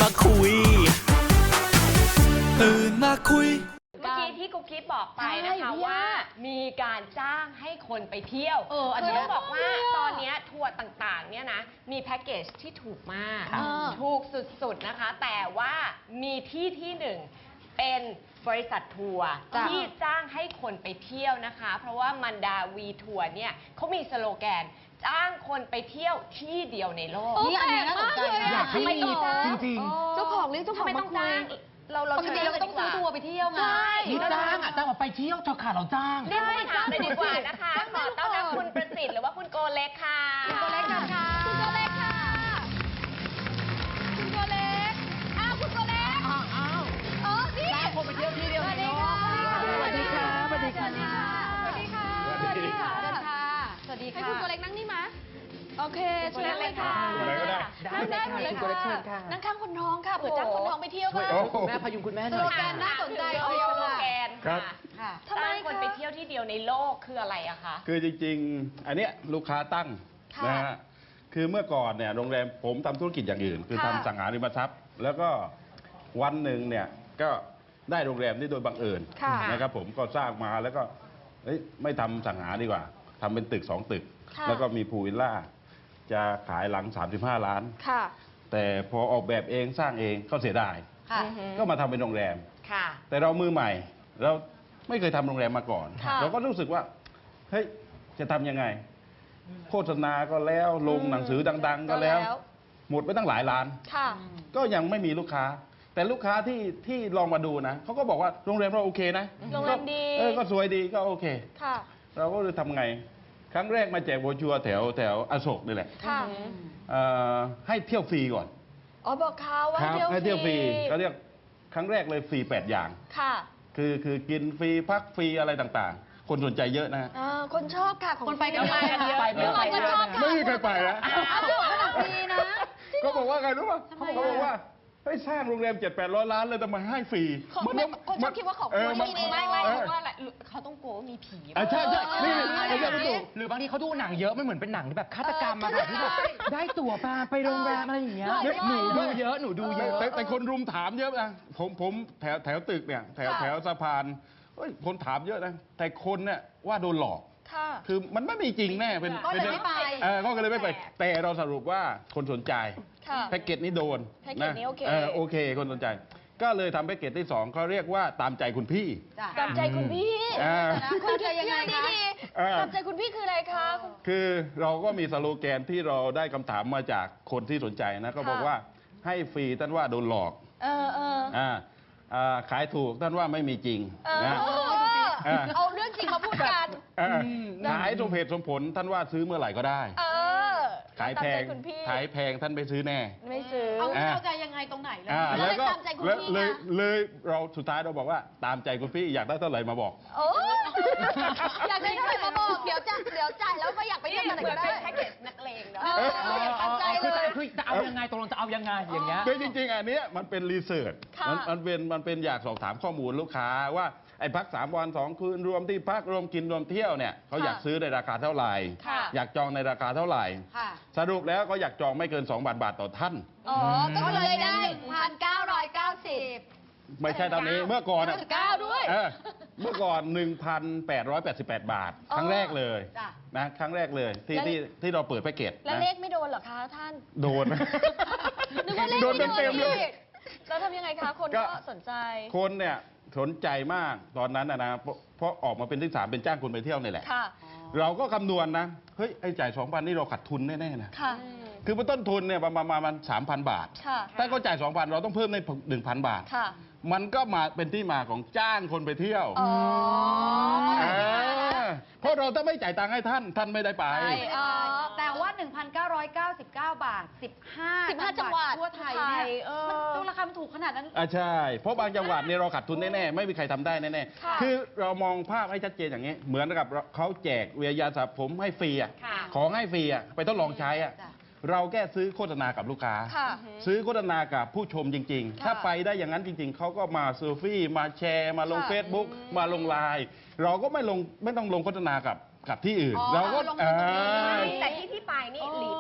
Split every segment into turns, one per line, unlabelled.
คุยตื่นมาคุย
เมื่อกี้ที่กุ๊กกิ๊บบอกไปนะคะว่ามีการจ้างให้คนไปเที่ยวคือต้องบอกว่าตอนนี้ทัวร์ต่างๆเนี่ยนะมีแพ็กเกจที่ถูกมากถูกสุดๆนะคะแต่ว่ามีที่หนึ่งเป็นบริษัททัวร์ที่จ้างให้คนไปเที่ยวนะคะเพราะว่ามันดาวีทัวร์เนี่ยเขามีสโลแกนจ้างคนไปเที่ยวที่เดียวในโลก
นี่อันนี้น่าสนใจ
อยากให้มีจริง
ๆเจ้าของเรียกเจ้าของ
ไม่ต้องจ้างเรา
ปกติเราก็ต้องซื้อทัวร์ไปเที่ยวไง
นี่จ้างจ้างออกไปเที่ยวเธอขาเราจ้าง
เรียกผู้บริหารเลยดีกว่านะคะขอต้อนรับคุณประสิทธิ์หรือว่าคุณโกเล็กค่ะ
คุณโกเล็กค่ะคุณโกเล็กค่ะคุณโกเล็กคุณโกเล็กนี่
จ้างคนไปเที่ยวที่เดียวในโลกสวัสดีค่ะสวัสดีค่ะ
สวัสดีค่ะสวัสดีค่ะสวัสดีค่ะให้คุณโกเล็กนั่งนี่มั้ยโอเคเชิญเลยค่ะนั่งได้หมดเลยค่ะนั่งข้างคนท้องค่ะเผื่อจ้างคนท้องไปเที่ยวค่ะ
คุณแม่พยุงคุณแม่หน่อย
สโลแกนน่าสนใจ
สโลแกนค่ะ
ทำไม
คนไปเที่ยวที่เดียวในโลกคืออะไรอะคะ
คือจริงๆอันเนี้ยลูกค้าตั้งนะฮะคือเมื่อก่อนเนี่ยโรงแรมผมทำธุรกิจอย่างอื่นคือทำสังหาริมทรัพย์แล้วก็วันหนึ่งเนี่ยก็ได้โรงแรมนี่โดยบังเอิญนะครับผมก็สร้างมาแล้วก็ไม่ทำสังหาดีกว่าทำเป็นตึก2 ตึกแล้วก็มีพูลวิลล่าจะขายหลัง35 ล้านแต่พอออกแบบเองสร้างเองก็เสียดายก็มาทำเป็นโรงแรมแต่เรามือใหม่เราไม่เคยทำโรงแรมมาก่อนเราก็รู้สึกว่าเฮ้ยจะทำยังไงโฆษณาก็แล้วลงหนังสือดังๆก็แล้วหมดไปตั้งหลายล้านก็ยังไม่มีลูกค้าแต่ลูกค้าที่ลองมาดูนะเขาก็บอกว่าโรงแรมเราโอเคนะ
โรงแรมดี
ก็สวยดีก็โอเคเราก็เลยทำไงครั้งแรกมาแจกโบรชัวร์แถวอโศกนี่แหละให้เที่ยวฟรีก่อน
บอกเขาว่า
ให้เที่ยวฟรีเขาเรียกครั้งแรกเลยฟรี8 อย่างคือกินฟรีพักฟรีอะไรต่างๆคนสนใจเยอะนะ
คนชอบค่ะคนไปกันเยอะ
ไม่มีใครไปนะ
ฟรีนะ
ก็บอกว่าไงรู้ป่ะเขาบอกว่าให้สร้างโรงแรม700-800 ล้านเลยแต่มาให้ฟรี
คนชอบคิดว่าเขาไม่เพราะว่าเขาต้องกลัวว่ามีผี
ใช่นี่
หรือบางทีเขาดูหนังเยอะไม่เหมือนเป็นหนังแบบฆาตกรรมมาแบบที่แบบได้ตั๋วไปโรงแรมอะไรอย่างเงี้ยหนูดูเยอะ
แต่คนรุมถามเยอะนะผมแถวตึกเนี่ยแถวสะพานคนถามเยอะนะแต่คนเนี่ยว่าโดนหลอกคือมันไม่มีจริงแน่เป็น
ก็เลยไม่ไป
ก็เลยไม่ไปแต่เราสรุปว่าคนสนใจแพ็กเกจนี้โดน
แพ็กเกจนี้
โอเคคนสนใจก็เลยทำแพ็กเกจที่2เขาเรียกว่าตามใจคุณพี่
ตามใจคุณพี่
คุณใจยังไงคะ
ตามใจคุณพี่คืออะไรคะ
คือเราก็มีสโลแกนที่เราได้คำถามมาจากคนที่สนใจนะก็บอกว่าให้ฟรีท่านว่าโดนหลอกขายถูกท่านว่าไม่มีจริงนะ
เอาเรื่องจริงมาพูดกัน
ขายสมเหตุสมผลท่านว่าซื้อเมื่อไหร่ก็ได้ขายแพงท่านไปซื้อแน่
ไม่ซื้อ
เอาใจยังไงตรงไหน
แล้วก็เลยเราสุดท้ายเราบอกว่าตามใจคุณพี่อยากได้เท่าไหร่มาบอก
อยากได้เท่าไหร่มาบอกเดี๋ยวจ่ายแล้วก็อยากไปเที่ยวกันก็ได้
แพ็กเกจนักเลงเนาะ
คือจะเอายังไงตกลงจะเอายังไงอย่างเงี้ย
คือจริงๆอันนี้มันเป็นรีเสิร์ชมันเป็นอยากสอบถามข้อมูลลูกค้าว่าไอ้พัก3 วัน 2 คืนรวมที่พักรวมกินรวมเที่ยวเนี่ยเขาอยากซื้อในราคาเท่าไหร่อยากจองในราคาเท่าไหร่สรุปแล้วก็อยากจองไม่เกิน2 บาทต่อท่าน
ก็เลยได้1,990
ไม่ใช่ตอนนี้เมื่อก่อน
9ด้วย
เมื่อก่อน 1,888 บาทครั้งแรกเลยนะครั้งแรกเลยที่เราเปิดแพ็กเกจ
แล้วเลขไม่โดนเหรอคะท่าน
โดนโดนเต็มเลย
แล้วทำยังไงคะคนก็สนใจ
คนเนี่ยสนใจมากตอนนั้นนะเพราะออกมาเป็นที่3เป็นจ้างคนไปเที่ยวนี่แหละเราก็คำนวณนะเฮ้ยไอ้จ่าย 2,000 นี่เราขาดทุนแน่ๆนะคือต้นทุนเนี่ยประมาณ 3,000 บาทถ้าเขาจ่าย 2,000 เราต้องเพิ่มใน 1,000 บาทมันก็มาเป็นที่มาของจ้างคนไปเที่ยวเพราะเราถ้าไม่จ่ายตังค์ให้ท่านไม่ได้ไป
แต่ว่า 1,999 บาท15
จังหวัด
ทั่วไทยเนี่ยมันดูราคามันถูกขนาดนั้น
ใช่เพราะบางจังหวัดเนี่ยเราขาดทุนแน่ๆไม่มีใครทำได้แน่ๆคือเรามองภาพให้ชัดเจนอย่างนี้เหมือนกับเขาแจกเวียยาสระผมให้ฟรีของให้ฟรีไปทดลองใช้เราแค่ซื้อโฆษณากับลูกค้าซื้อโฆษณากับผู้ชมจริงๆถ้าไปได้อย่างนั้นจริงๆเขาก็มาเซลฟี่มาแชร์มาลง Facebook มาลงไลน์เราก็ไม่ต้องลงโฆษณากับที่อื่นเราก็
แต่ที่ไปนี่หลีเป๊ะ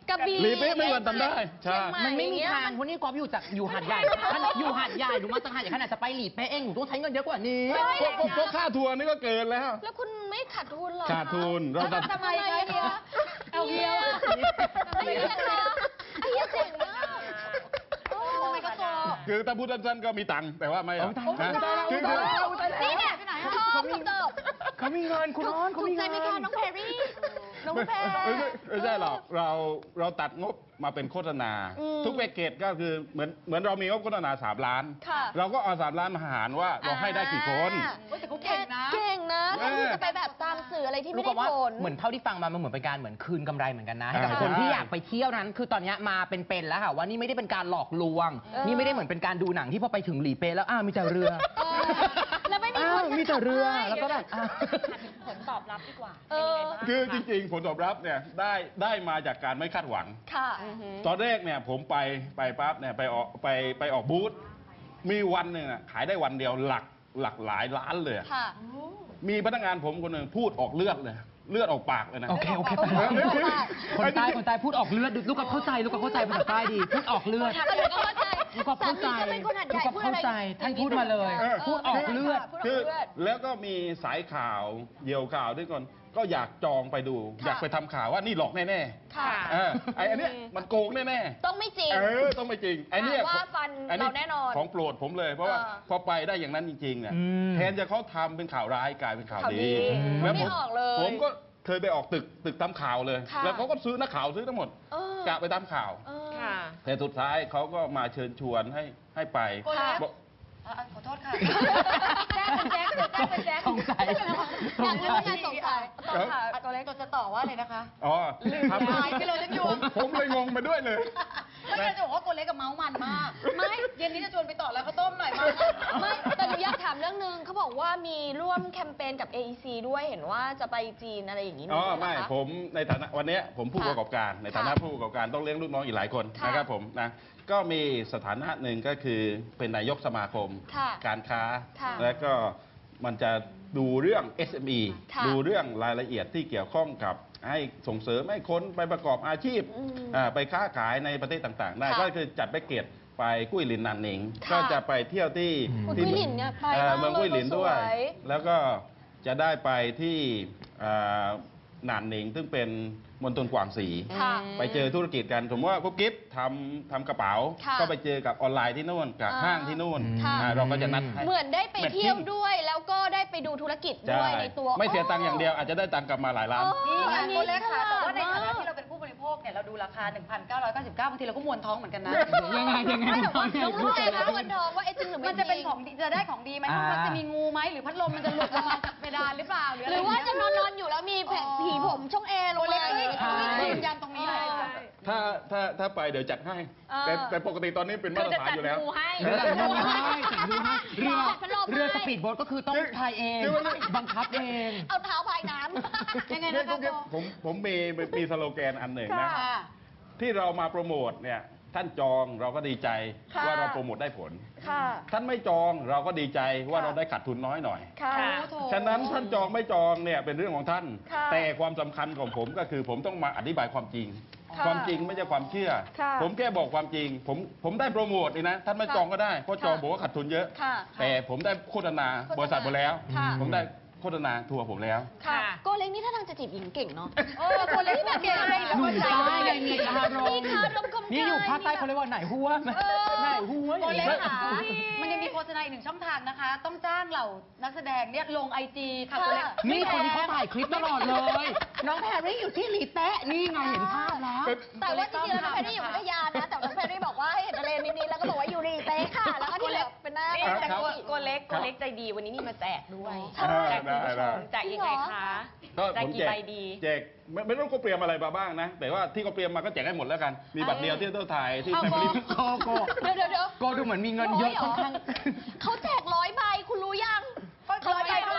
กระบี่
รีเป๊ะไม่วันทำได้ใช่
มันไม่มีทางเพราะนี่ก๊อฟอยู่หาดใหญ่อยู่หาดใหญ่หนูมาจากหาดใหญ่ขนาดจะไปหลีเป๊ะเองหนูต้องใช้เงินเยอะกว่านี้
ก็ค่าทัวร์นี่ก็เกินแล้ว
แล้วคุณไม่ขาดทุนเหรอ
ขาดทุนเราตัด
ทำไมคะเนี่ยเอาเดียวไอ้เหี้ยคะไอ้เหี้ยเจ๋งมากทำไมก็โต
คือถ้าพูดสั้นๆก็มีตังค์แต่ว่าไม่
เอาตังค์
นะคือ
นี่เนี่ยชอบจบ
เขามีเงินคุณอ้อนเขา
ถูก
มี
ใจ
เงิน
ไหมคะน้องแพรรี่น้องแพร
ไม่ใช่หรอกเราตัดงบมาเป็นโฆษณา ทุกแพ็กเกจก็คือเหมือนเรามีงบโฆษณา3 ล้าน
ค่ะ
เราก็เอา3 ล้านมาหารว่าเราให้ได้กี่คน
แต่เขาเก่งนะเก่งนะถ้าคุณจะไปแบบตามสื่ออะไรที่
รู้
ไม่
กั
ได้
บว่า
ผล
เหมือนเท่าที่ฟังมามันเหมือนเป็นการเหมือนคืนกำไรเหมือนกันนะให้กับ
อ่า
คนที่อยากไปเที่ยวนั้น คือตอนนี้มาเป็นแล้วค่ะว่านี่ไม่ได้เป็นการหลอกลวง นี่ไม่ได้เหมือนเป็นการดูหนังที่พอไปถึงหลีเป๊ะแล้วมีแต่เรือ
แล้วไม่มี
อ้า
ค
วน มีแต่เรือแล้วก็แบบ
ผลตอบรับดีกว่า
เอ
เป็นยังไงบ้าง
คือจริงๆผลตอบรับเนี่ยได้มาจากการไม่คาดหวัง
ค่ะ
ตอนแรกเนี่ยผมไปปั๊บเนี่ยไปออกบูธมีวันหนึ่งอะขายได้วันเดียวหลักหลายล้านเลยอะ
ค่ะ
มีพนักงานผมคนหนึ่งพูดออกเลือดเลย เลือดออกปากเลยนะ
โอเค
เออ
คนใต้พูดออกเลือดลูกกับเข้าใจภาษาใต้ดีพูดออกเลือด
ลูกก็เข้าใจ
ลูกกับเข้าใจ
สามีก็เป็นคนหัดใหญ่
ลูกกับเข้าใจท่านพูดมาเลย พูดออกเลือด
คือแล้วก็มีสายข่าวเหยี่ยวข่าวด้วยก่อนก็อยากจองไปดู อยากไปทำข่าวว่านี่หลอกแน่
ค่ะ
ๆไอ้อันเนี้ยมันโกงแน่ๆ
ต้องไม่จริง
ต้องไม่จริงไอ้เนี่ย
ว่าฟันเราแน่นอน
ของโปรดผมเลย เพราะว่า
เออ
พอไปได้อย่างนั้นจริงๆเนี่ย
อืม
แทนจะเขาทำเป็นข่าวร้ายกลายเป็นข่าว
ข่าวดี
ดี
ไม่ได้ออกเลย
ผมก็เคยไปออกตึกทำข่าวเลย
ค่ะ
แล้วเขาก็ซื้อนักข่าวซื้อทั้งหมด
เออก
ะไปทำข่าว
เออ
ค่ะ
แต่สุดท้ายเขาก็มาเชิญชวนให้ไป
ค่ะ
บอก
ขอโทษค่ะแจ้งเป็นแจ็ค
สงสัย
อยากรู้ว่าไงสงสัย
เออ
ตัวเล็กตัวจะต่อว่าเลยนะคะ
อ๋อทำ
หายไปเลยฉันอยู่
ผมเลยงงไปด้วยเลย
ไม่ใช่จะบอกว่าโกเล็กกับเมาส์มันมาก ไม่ เย็นนี้จะชวนไปต่อแล้วข้าวต้มหน่อยมา
ไม่แต่หนูอยากถามเรื่องนึงเขาบอกว่ามีร่วมแคมเปญกับ AEC ด้วยเห็นว่าจะไปจีนอะไรอย่างนี้
อ๋อ
ด้วย
ไม่
นะคะ
ผมในฐานะวันเนี้ยผมผู้
ค่ะ
ประกอบการในฐานะ
ค่ะ
ผู้ประกอบการต้องเลี้ยงลูกน้องอีกหลายคน
ค่ะ
นะครับผมนะก็มีสถานะหนึ่งก็คือเป็นนายกสมาคม
ค่ะ
การค้า
ค่ะ
และก็มันจะดูเรื่อง SME
ค่ะ
ดูเรื่องรายละเอียดที่เกี่ยวข้องกับให้ส่งเสริมให้คนไปประกอบอาชีพ
อืม
ไปค้าขายในประเทศต่างๆ ได้
ค่ะ
ก็คือจัดแพ็กเกจไปกุ้ยหลินนันหนิง
ค่ะ
ก็จะไปเที่ยวที่
คุณ
ที่
กุ้ยหลินเนี่ยไป
เมืองกุ้ยหลินด้วย
สวย
แล้วก็จะได้ไปที่หนานหนิงซึ่งเป็นมณฑลกวางสี
ค่ะ
ไปเจอธุรกิจกันสมมติว่ากุ๊บกิ๊บทำกระเป๋า
ค่ะ
ก็ไปเจอกับออนไลน์ที่นู่นกับ
อ่า
ห้างที่นู่น
ค่ะ
เราก็จะนัดให้
เหมือนได้ไปเที่ยว
แมทชิ่ง
ด้วย แล้วก็ได้ไปดูธุรกิจ
ใช่
ด้วยในตัว
ไม่เสียตังค์อย่างเดียวอาจจะได้ตังค์กลับมาหลายล้าน
นี่ไง
อันนี้
โกเล็กค่ะ แต่ว่าในฐานะ
มก
ที่เราเป็นผู้บริโภคเนี่ยเราดูราคา 1,999 บางทีเราก็มวนท้องเหมือนกันนะ
ยังไง
ไม่แต่ว่าน้อง
รู้
รู้
ใจ
ใจนะวันทองว่าไอ้จริงหรือไม่
มันจะเป็น
จริ
ของดีจะได้ของดีไหม
อ่า
มันจะมีงูไหมหรือพัดลมมันจะหลุดลงมาจากเพดานหรือเปล่าหรือ
ห
อะไร
รือว่า
ย่ง
จะ
เงี้ย
นอนอยู่แล้วมีแผงผีผมช่องแอร์ล
โก
ง
เล็
มาก อย่าง
ไม่
เงี้ย
ไม่ยืนยันตรงนี้เลย
ถ้าไปเดี๋ยวจัดให้
อ่า
แต่ปกติตอนนี้เป็นมาตรฐานอยู่แล้ว
เรือจัดดูให้เรือสปีดโบ๊ทก็คือต้องพายเอง บังคับเอง
เอาเท้าพายน้ำ
ยังไง
เนี่ย
นะคะ
ผมมีสโลแกนอันหนึ่งนะ
ค่ะ
ที่เรามาโปรโมทเนี่ยท่านจองเราก็ดีใจ
ค่ะ
ว่าเราโปรโมทได้ผล
ค่ะ
ท่านไม่จองเราก็ดีใจว่าเราได้ขาดทุนน้อยหน่อย
ค่ะ
ฉะนั้นท่านจองไม่จองเนี่ยเป็นเรื่องของท่าน
ค่ะ
แต่ความสำคัญของผมก็คือผมต้องมาอธิบายความจริง
ค่ะ
ความจริงไม่ใช่ความเชื่อ
ค่ะ
ผมแค่บอกความจริง ผมได้โปรโมทนี่นะท่านไม่
ค่ะ
จองก็ได้เพราะจอง
ค่ะ
บอกว่าขาดทุนเยอะ
ค่ะ
แต่ผมได้โฆษณา
โฆษณา
บริษัทผมแล้ว
ค่ะ
ผมได้โฆษณาทัวร์ผมแล้ว
ค่ะโกเล้งนี่ถ้าทางจะจีบหญิงเก่งเนาะโกเล้งที่แบบเก่งอะไร
หนุ่มใต้ไงมีคารม
มีคารมกลม
นี่อยู่ภาคใต้เขาเรียกว่าไหนหัวไหนหัว
โกเล็ก
อย่าง
ค่ะ
เงี้ย
มันยังมีโฆษณาอีกหนึ่งช่องทางนะคะ ต้องจ้างเหล่านักแสดงเนี่ยลงไอจีค่ะโกเล็ก
นี่คนที่เขาถ่ายคลิปตลอดเลย น้องแพรรี่อยู่ที่หลีแตะนี่ไงเห็นภาพแล้ว
แต่ว่าจริงๆแล้วน้องแพรรี่อยู่พัทยานะ แต่น้องแพรรี่บอกว่าให้เห็นทะเลนิดๆแล้วก็บอกว่าอยู่รีเต้ค่ะ แล้วก็ที่เหลือเป็นหน้า
นี่แต่
ปก
ตัวเล็กใจดีวันนี้มีมาแจกด้วย
ใช่
แจกคุณผู้ชมแจกยังไงคะ
ก็
แจก
ผม
กี่ใบดี
แจกไม่ต้องเขาเตรียมอะไรมาบ้างนะ แต่ว่าที่เขาเตรียมมาก็แจกให้หมดแล้วกัน มีบัตรเดียวที่ต้องถ่ายที่
เอา
แฟมิลี่
โก
เดี๋ยว
โกดูเหมือนมีเงินเยอะค่อนข้าง
เขาแจก100 ใบคุณรู้ยัง
100 ใบเท่าไหร่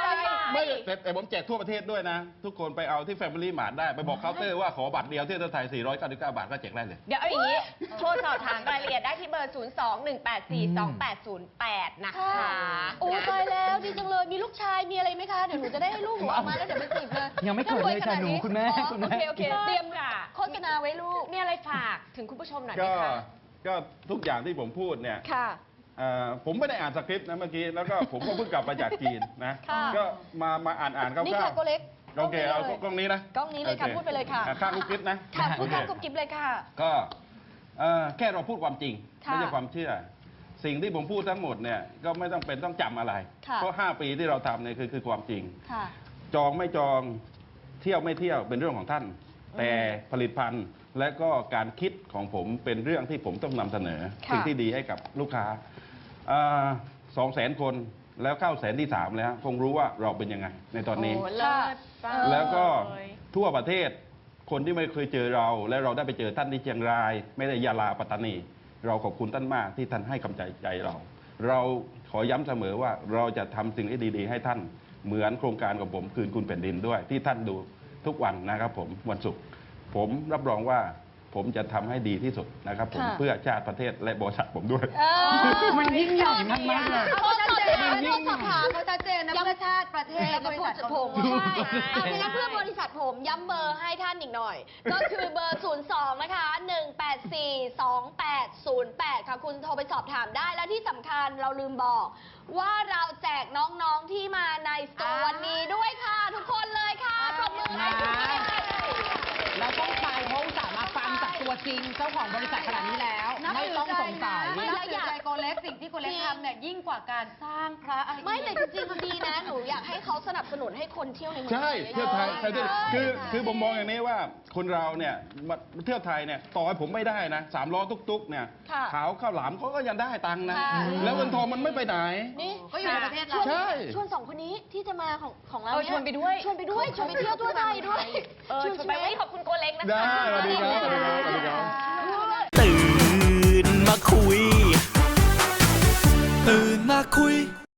ไม่แต่ผมแจกทั่วประเทศด้วยนะ ทุกคนไปเอาที่ Family Mart ได้ไปบอกเคาน์เตอร์ว่าขอบัตรเดียวที่ประเทศไทย499 บาทก็แจกได้เลย
เดี๋ยวเอาอย่างนี้ โทรสอบถามรายละเอียดได้ที่เบอร์ 021842808 นะคะ
โอ้ตายแล้วดีจังเลยมีลูกชายมีอะไรไหมคะเดี๋ยวหนูจะได้ให้ลูกหนูเอามาแล้วเดี๋ยวไปจีบเลย
ยังไม่เกิดเลยค่ะหนูคุณแม่
อ๋อ
คุณแม่
โอเคเตรียมโฆษณาไว้ลูก
มีอะไรฝากถึงคุณผู้ชมหน่อยไหม
ก็
คะ
ก็ทุกอย่างที่ผมพูดเนี่ย
ค่ะ
ผมไม่ได้อ่านสคริปต์นะเมื่อกี้ แล้วก็ผมก็เพิ่งกลับมาจากจีนนะ
ค่ะ
ก็มาอ่านคร่าวๆ
นี่ค่ะโกเล็ก
โอเคเอากล้องนี้นะ
กล้องนี้เลยค่ะ
โอ
พูดไปเลยค่ะ
ข้างกุ๊กกิ๊บนะ
ค่ะพูดข้าง
โอเค
กุ๊บกิ๊บเลยค่ะ
ก็แค่เราพูดความจริง
ค่ะ
ไม่ใช่ความเชื่อ สิ่งที่ผมพูดทั้งหมดเนี่ยก็ไม่ต้องเป็นต้องจำอะไร
ค่ะ
เพราะ 5 ปีที่เราทำเนี่ยคือความจริง
ค่ะ
จองไม่จองเที่ยวไม่เที่ยวเป็นเรื่องของท่าน แต่ผลิตภัณฑ์และก็การคิดของผมเป็นเรื่องที่ผมต้องนำเสนอ
ค่ะ
สิ่งที่ดีให้กับลูกค้า200,000 คนแล้วเข้าแสนที่ 3 แล้ว คงรู้ว่าเราเป็นยังไงในตอนนี้
โอ้เลิศจัง
แล้วก็
เลย
ทั่วประเทศคนที่ไม่เคยเจอเรา และเราได้ไปเจอท่านที่เชียงราย ไม่ได้ยาลาปัตตานี เราขอบคุณท่านมากที่ท่านให้กำลังใจเรา เราขอย้ำเสมอว่าเราจะทำสิ่งที่ดีๆ ให้ท่านเหมือนโครงการของผมคืนคุณแผ่นดินด้วย ที่ท่านดูทุกวันนะครับผมวันศุกร์ผมรับรองว่าผมจะทำให้ดีที่สุดนะครับผม
ค่ะ
เพื่อชาติประเทศและบริษัทผมด้วย
มันยิ่งใหญ่มากๆเลย
เขาชัดเจน
มันยิ่ง
สอบถาม
เขาชัดเจนนะเพื่อชาติประเทศและบริษัทของผม
ใช่เอาไปงั้นเพื่อบริษัทผมย้ำเบอร์ให้ท่านอีกหน่อย ก็คือเบอร์ 02 นะคะ 1842808 ค่ะ คุณโทรไปสอบถามได้ และที่สำคัญเราลืมบอก ว่าเราแจกน้องๆที่มาในสตูวันนี้ด้วยค่ะ ทุกคนเลยค่ะปรบมือให้ทุกคน
เราต้องไปเพราะอุตส่าห์มาฟังจากตัวจริงเจ้าของบริษัทขนาดนี้แล้ว ไม่ต้องสงสัย
ไม่นับถือใจโกเล็กสิ่งที่โกเล็กทำเนี่ยยิ่งกว่าการสร้างพระอะไร
ไม่แต่จริงๆดีนะ หนูอยากให้เขาสนับสนุนให้คนเที่ยวในเมือง
ใช่
ไทย
เที่ยวไทย
อะ
ใช่ที่
ใช่
คือผมมองอย่างนี้ว่าคนเราเนี่ยมาเที่ยวไทยเนี่ยต่อให้ผมไม่ได้นะ3 ล้อตุ๊กๆเนี่ย
ค่ะ
ขาวข้าวหลามเขาก็ยังได้ตังค์นะ
ค่ะ
แล้วเงินทองมันไม่ไปไหน
นี่
ก็อยู่ในประเทศเรา
ใช่
ชวนสองคนนี้ที่จะมาของเรา
เออ
เนี่ย
ชวนไปด้วย
ชวนไปด้วยชวนไปเที่ยวทั่วไทยด้วย
ชวนไปไม่ขอบคุณโกเล็กนะคะ
ได้สวัสดีครับสวัสดีครับสวัสดีครับ
ตื่นมาคุย ตื่นมาคุย